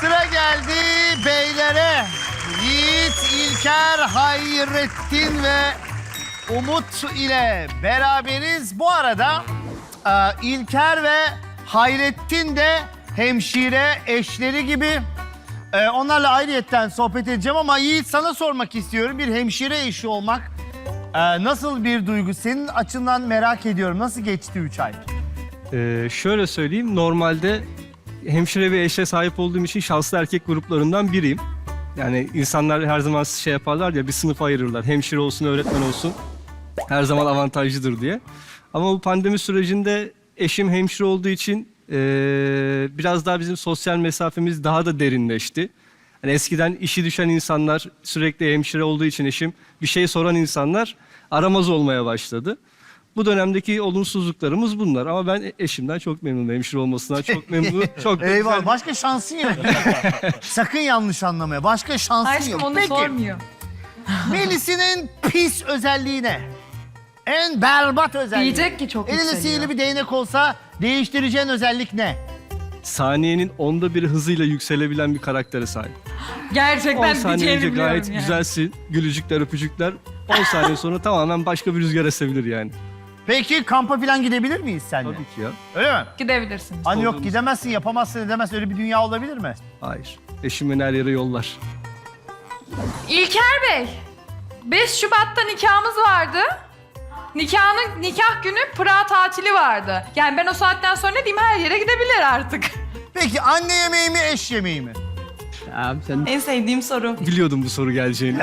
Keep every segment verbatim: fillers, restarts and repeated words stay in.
Sıra geldi beylere. Yiğit, İlker, Hayrettin ve Umut ile beraberiz. Bu arada e, İlker ve Hayrettin de hemşire eşleri gibi. E, onlarla ayrıyetten sohbet edeceğim ama Yiğit, sana sormak istiyorum. Bir hemşire eşi olmak e, nasıl bir duygu? Senin açından merak ediyorum. Nasıl geçti üç ay? Ee, şöyle söyleyeyim, normalde hemşire ve eşe sahip olduğum için şanslı erkek gruplarından biriyim. Yani insanlar her zaman şey yaparlar ya, bir sınıf ayırırlar. Hemşire olsun, öğretmen olsun her zaman avantajlıdır diye. Ama bu pandemi sürecinde eşim hemşire olduğu için ee, biraz daha bizim sosyal mesafemiz daha da derinleşti. Yani eskiden işi düşen insanlar, sürekli hemşire olduğu için eşim, bir şey soran insanlar aramaz olmaya başladı. Bu dönemdeki olumsuzluklarımız bunlar ama ben eşimden çok memnunum. Hemşire olmasından çok memnunum. Çok da Eyvallah. güzel. Başka şansın yok. Sakın yanlış anlamaya. Başka şansın Aşkım yok. onu Peki, sormuyor. Melis'in pis özelliği ne? En berbat özelliği. Diyecek ki çok Elinde yükseliyor. sihirli bir değnek olsa değiştireceğin özellik ne? Saniyenin onda bir hızıyla yükselebilen bir karaktere sahip. on Gerçekten saniye önce diyeceğini biliyorum gayet yani. güzelsin. Gülücükler, öpücükler. on saniye sonra tamamen başka bir rüzgar esebilir yani. Peki kampa falan gidebilir miyiz seninle? Tabii ki ya. Öyle mi? Gidebilirsin. Hani yok Olduğumuz- gidemezsin, yapamazsın, edemezsin. Öyle bir dünya olabilir mi? Hayır. Eşim beni her yere yollar. İlker Bey, beş Şubat'ta nikahımız vardı. Nikahın nikah günü Prag tatili vardı. Yani ben o saatten sonra ne diyeyim, her yere gidebilir artık. Peki anne yemeği mi, eş yemeği mi? Abi sen... En sevdiğim soru. Biliyordum bu soru geleceğini.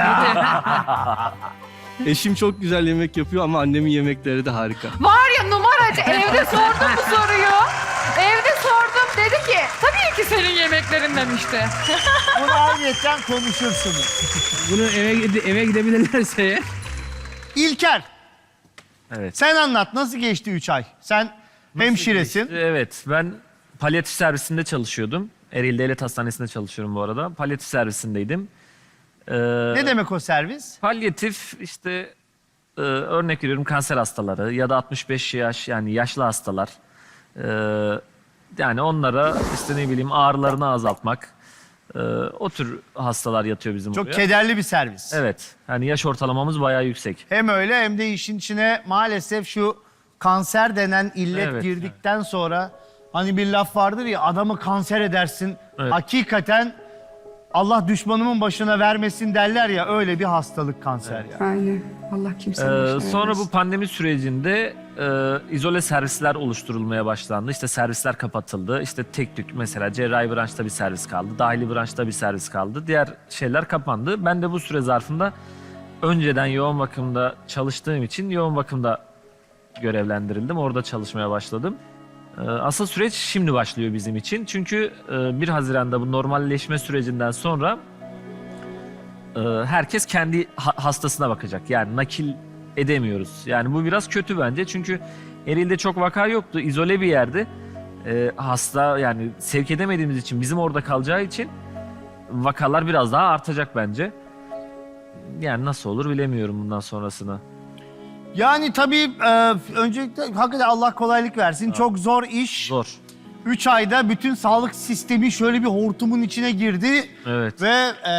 Eşim çok güzel yemek yapıyor ama annemin yemekleri de harika. Var ya numaracı, evde sordum bu soruyu. Evde sordum, dedi ki tabii ki senin yemeklerin demişti. Bunu ayrıyetten konuşursunuz. Bunu eve gide- eve gidebilirlerse eğer. İlker, Evet. sen anlat. Nasıl geçti üç ay? Sen hemşiresin. Evet, ben palyatif servisinde çalışıyordum. Ereğli Devlet Hastanesi'nde çalışıyorum bu arada. Palyatif servisindeydim. Ee, Ne demek o servis? Palyatif işte e, örnek veriyorum kanser hastaları ya da altmış beş yaş yani yaşlı hastalar. Ee, yani onlara işte ne bileyim ağrılarını azaltmak. Ee, o tür hastalar yatıyor bizim Çok oraya. kederli bir servis. Evet. Yani yaş ortalamamız bayağı yüksek. Hem öyle hem de işin içine maalesef şu kanser denen illet Evet, girdikten sonra hani bir laf vardır ya, adamı kanser edersin. Evet. Hakikaten Allah düşmanımın başına vermesin derler ya, öyle bir hastalık kanser ya. Aynen. Allah kimsenin Ee, başına sonra vermesin. bu pandemi sürecinde e, izole servisler oluşturulmaya başlandı. İşte servisler kapatıldı. İşte tek tük mesela cerrahi branşta bir servis kaldı. Dahili branşta bir servis kaldı. Diğer şeyler kapandı. Ben de bu süre zarfında önceden yoğun bakımda çalıştığım için yoğun bakımda görevlendirildim. Orada çalışmaya başladım. Ee, asıl süreç şimdi başlıyor bizim için. Çünkü e, bir Haziran'da bu normalleşme sürecinden sonra e, herkes kendi ha- hastasına bakacak. Yani nakil edemiyoruz. Yani bu biraz kötü bence. Çünkü Ereğli'de çok vaka yoktu. İzole bir yerdi. E, hasta yani sevk edemediğimiz için bizim orada kalacağı için vakalar biraz daha artacak bence. Yani nasıl olur bilemiyorum bundan sonrasını. Yani tabii e, öncelikle hakikaten Allah kolaylık versin. Çok zor iş. Zor. Üç ayda bütün sağlık sistemi şöyle bir hortumun içine girdi. Evet. Ve e,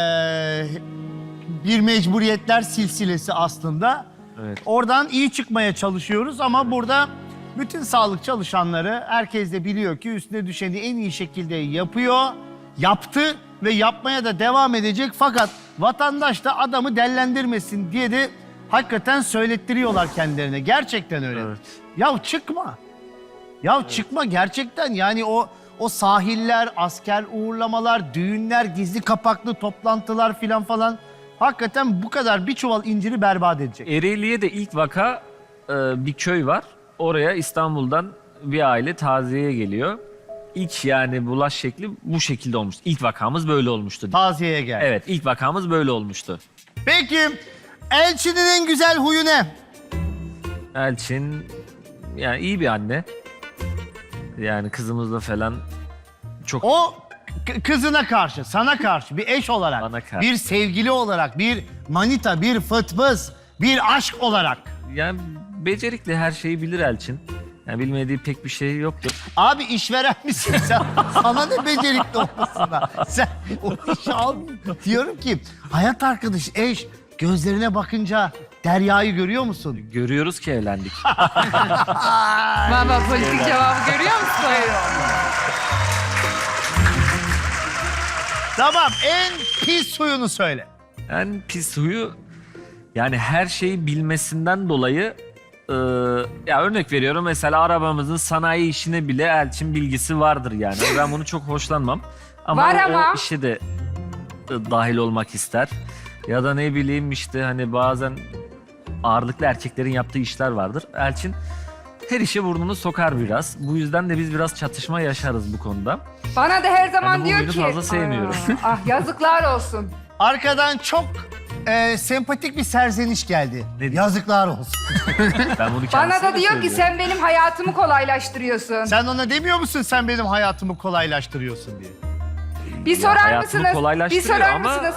bir mecburiyetler silsilesi aslında. Evet. Oradan iyi çıkmaya çalışıyoruz ama burada bütün sağlık çalışanları, herkes de biliyor ki üstüne düşeni en iyi şekilde yapıyor, yaptı ve yapmaya da devam edecek. Fakat vatandaş da adamı dellendirmesin diye de hakikaten söylettiriyorlar kendilerine. Gerçekten öyle. Evet. Ya çıkma. Ya çıkma gerçekten, yani o o sahiller, asker uğurlamalar, düğünler, gizli kapaklı toplantılar filan falan hakikaten bu kadar bir çuval inciri berbat edecek. Ereğli'ye de ilk vaka e, bir köy var. Oraya İstanbul'dan bir aile taziyeye geliyor. İlk yani bulaş şekli bu şekilde olmuş. İlk vakamız böyle olmuştu. Taziyeye gel. Evet, ilk vakamız böyle olmuştu. Peki Elçin'in en güzel huyu ne? Elçin yani iyi bir anne. Yani kızımızla falan çok O k- kızına karşı, sana karşı bir eş olarak, Bana karşı. bir sevgili olarak, bir manita, bir fıtbız, bir aşk olarak. yani becerikli, her şeyi bilir Elçin. Yani bilmediği pek bir şey yoktur. Abi işveren misin sen? Sana ne becerikli olmasına? Sen o işi al. Diyorum ki hayat arkadaş, eş gözlerine bakınca Derya'yı görüyor musun? Görüyoruz ki evlendik. Baba politik cevabı görüyor musun? Tamam, en pis huyunu söyle. En pis huyu yani her şeyi bilmesinden dolayı e, ya örnek veriyorum mesela arabamızın sanayi işine bile Elçin bilgisi vardır yani. Ben bunu çok hoşlanmam. Ama Var o, ama. o işe de e, dahil olmak ister. Ya da ne bileyim işte hani bazen ağırlıklı erkeklerin yaptığı işler vardır. Elçin her işe burnunu sokar biraz. Bu yüzden de biz biraz çatışma yaşarız bu konuda. Bana da her zaman Ben de bu diyor huyunu ki... fazla sevmiyorum. Aa, ah yazıklar olsun. Arkadan çok e, sempatik bir serzeniş geldi. Ne diyor? Yazıklar olsun. Ben bunu Bana kendisine da de diyor ki söylüyorum. sen benim hayatımı kolaylaştırıyorsun. Sen ona demiyor musun sen benim hayatımı kolaylaştırıyorsun diye? Bir Ya sorar hayatımı mısınız? Bir kolaylaştırıyor sorar ama- mısınız?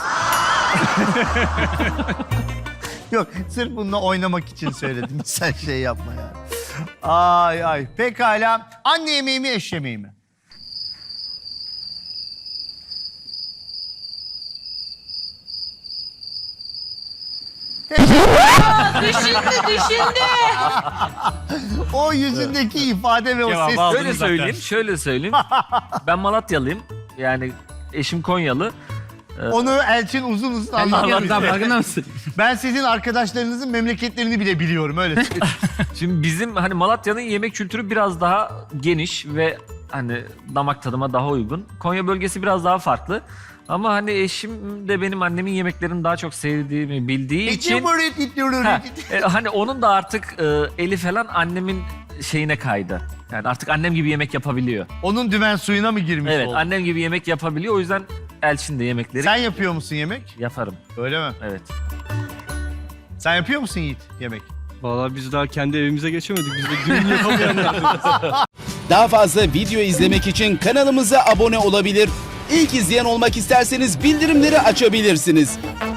Yok, sırf bununla oynamak için söyledim. Sen şey yapma ya. Ay ay. Pekala. Anne yemeği mi, eş yemeği mi? Düşündü düşündü. O yüzündeki ifade ve o Cevabı ses. aldım. Şöyle zaten. söyleyeyim, şöyle söyleyeyim. Ben Malatyalıyım. Yani eşim Konyalı. Onu Elçin uzun uzun Sen anlatıyor. Malatya'dan farkında mısın? Ben sizin arkadaşlarınızın memleketlerini bile biliyorum, öyle söyleyeyim. Şimdi bizim hani Malatya'nın yemek kültürü biraz daha geniş ve hani damak tadıma daha uygun. Konya bölgesi biraz daha farklı. Ama hani eşim de benim annemin yemeklerini daha çok sevdiğimi bildiği için... Ha, e, hani onun da artık e, eli falan annemin şeyine kaydı. Yani artık annem gibi yemek yapabiliyor. Onun dümen suyuna mı girmiş Evet, oldu? annem gibi yemek yapabiliyor. O yüzden Elçin de yemekleri Sen yapıyor musun yemek? yaparım. Öyle mi? Evet. Sen yapıyor musun Yiğit yemek? Vallahi biz daha kendi evimize geçemedik. Biz de düğün yapamayanlardık. Daha fazla video izlemek için kanalımıza abone olabilir. İlk izleyen olmak isterseniz bildirimleri açabilirsiniz.